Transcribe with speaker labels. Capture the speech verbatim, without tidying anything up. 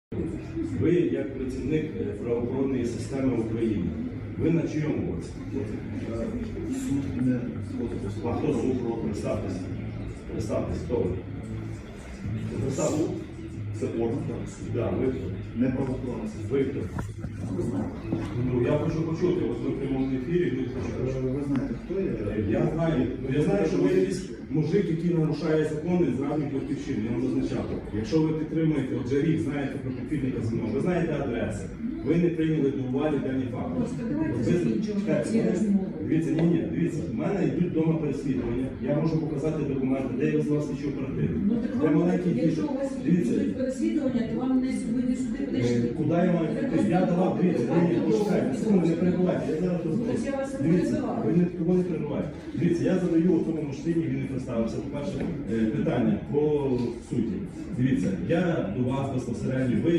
Speaker 1: Ви, як працівник правоохоронної системи України, ви на чийому боці?
Speaker 2: Суд не
Speaker 1: А хто суд? Представтесь. Представтесь, хто ви? Представтесь.
Speaker 2: це орган суду.
Speaker 1: Да, ви хто?
Speaker 2: Не правоохоронна.
Speaker 1: Ви хто? Ну, я хочу почути, от ми в прямому ефірі, люди хочуть почути.
Speaker 2: Ви знаєте, хто я?
Speaker 1: Я знаю, ну, я знаю, що ви якийсь мужик, який нарушає закони, зрадник батьківщини, я вам зазначав. Якщо ви підтримуєте, отже рік, знаєте про підпільника зі мною, ви знаєте адреси, ви не прийняли до уваги дані факти.
Speaker 3: Просто давайте
Speaker 1: Ви-
Speaker 3: закінчувати
Speaker 1: чекайте,
Speaker 3: ці
Speaker 1: мене-
Speaker 3: розмови.
Speaker 1: Дивіться, ні, ні, дивіться, в мене йдуть вдома переслідування, я можу показати документи, де я визвав слідчу оперативну.
Speaker 3: Ну так
Speaker 1: Де
Speaker 3: вам,
Speaker 1: маленький
Speaker 3: якщо
Speaker 1: діти.
Speaker 3: у вас
Speaker 1: Дивіться,
Speaker 3: будуть переслідування, то вам не ви не сюди
Speaker 1: е,
Speaker 3: прийшли.
Speaker 1: куди я маю піти? Я давав, дивіться, ні, ні, почекайте, секунду, не перебувайте, я зараз
Speaker 3: Ну,
Speaker 1: розберусь.
Speaker 3: так я вас не
Speaker 1: Дивіться,
Speaker 3: перебиваю.
Speaker 1: ви не кого не перебуваєте. Дивіться, я задаю у цьому мужчині, він не представився. По-перше, е, питання по суті. Дивіться, я до вас безпосередньо, ви